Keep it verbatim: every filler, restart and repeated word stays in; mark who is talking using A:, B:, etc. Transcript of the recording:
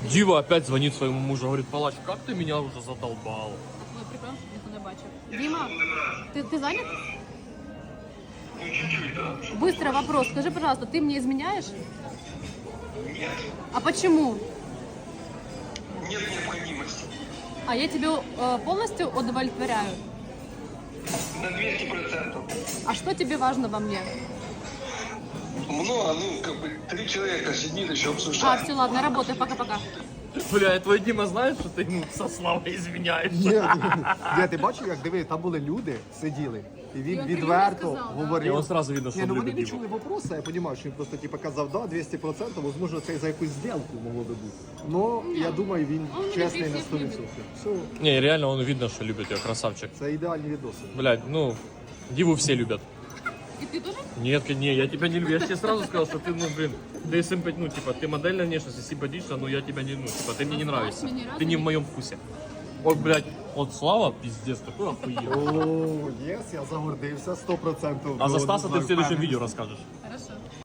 A: Дива опять звонит своему мужу, говорит, палач, как ты меня уже задолбал?
B: Ну, прикольно, що ніхто не бачив. Дима, ты, ты занят? Быстро вопрос. Скажи, пожалуйста, ты мне изменяешь?
C: Нет,
B: А почему?
C: нет необходимости.
B: А я тебе э, полностью удовлетворяю.
C: На двести процентов.
B: А что тебе важно во мне?
C: Много, ну, как бы, три человека сидит, еще
B: А,
C: обсуждают.
B: все, ладно, работай, пока-пока.
A: Бля, твой Дима знает, что ты ему со Славой изменяешь?
D: Ні, ні, ти бачив, як диви, там були люди, сиділи, і
B: І
D: він
B: він
D: відверто
B: прямо сказав, да?
D: говорив.
A: І он сразу видно, що
D: Ні, ну
A: він
D: вони
A: любить
D: не
A: Діму.
D: чули вопроса, я розумію, що він просто типу, казав, да, двісті відсотків, можливо, це і за якусь зділку могло би бути. Ну, я думаю, він
B: Он
D: чесний
B: любить
D: на
B: всіх
D: сто
B: любить.
D: відсотків. Все,
A: Не, реально он видно, что любит ее, красавчик.
D: це ідеальні відоси.
A: Блядь, ну, Диву все любят.
B: И ты тоже?
A: Нет, не, я тебя не люблю. Я же тебе сразу сказал, что ты, ну, блин, ты симпат, ну, типа, ты модельная внешность, симпатична, но я тебя не, ну, типа, ты мне не нравишься.
B: мне разу
A: Ты не в
B: не-
A: моем вкусе. Вот, блядь, вот Слава, пиздец, такой охуенный.
D: О, єс, я загордився, сто відсотків.
A: А за Стаса ты в следующем видео расскажешь.
B: Хорошо.